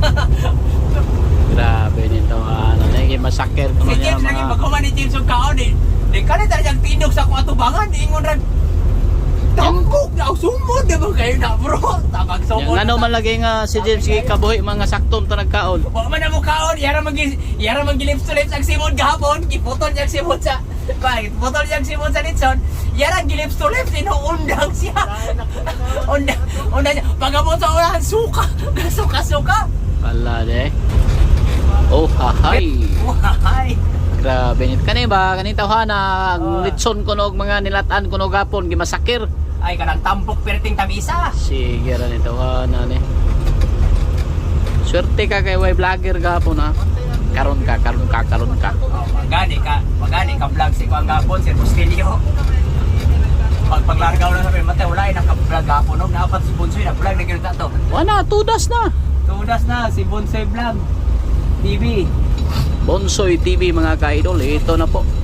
Grabe nito, ano, naging masakir ko Si niya James lagi mga... magkuman ni James yung kaon eh. Di ka na talagang tindog sa kong atubangan. Ingon rin. Tambok na sumod. Di ba kayo na bro? Tabag sumod. Yung ano man lagi nga si James kabuhi mga sakton to nagkaon. Wa man na mo kaon. Yara mag-lips to lips ang simod gahapon. Giputol niya ang simod sa... Giputol niya ang simod sa Nitson. Yara gilips to lips. Inuundang siya. Undang niya. Pagabot sa ulan, suka. Suka-suka. Wala de. Oh, hahay. Wahay. Grabe nito. Kani ba? Kani tawhana ang litson ko nog mga nilatan ko nog gapon gimasakir. Ay, kanang tampok perting tamisa. Sige ra nito na ni. Swerte ka kay way vlogger gapon ha. Karon ka. Magani ka vlog si Kuang Gapon, si Bustilio. Paglargaw na sabi, matay, wala yung naka-vlog Gapon. Nung naapat si Bonsoy, na-vlog na gano'n to. Wala, tudas na. Tudas na, si Bonsoy Vlog TV. Bonsoy TV mga ka-idol, ito na po.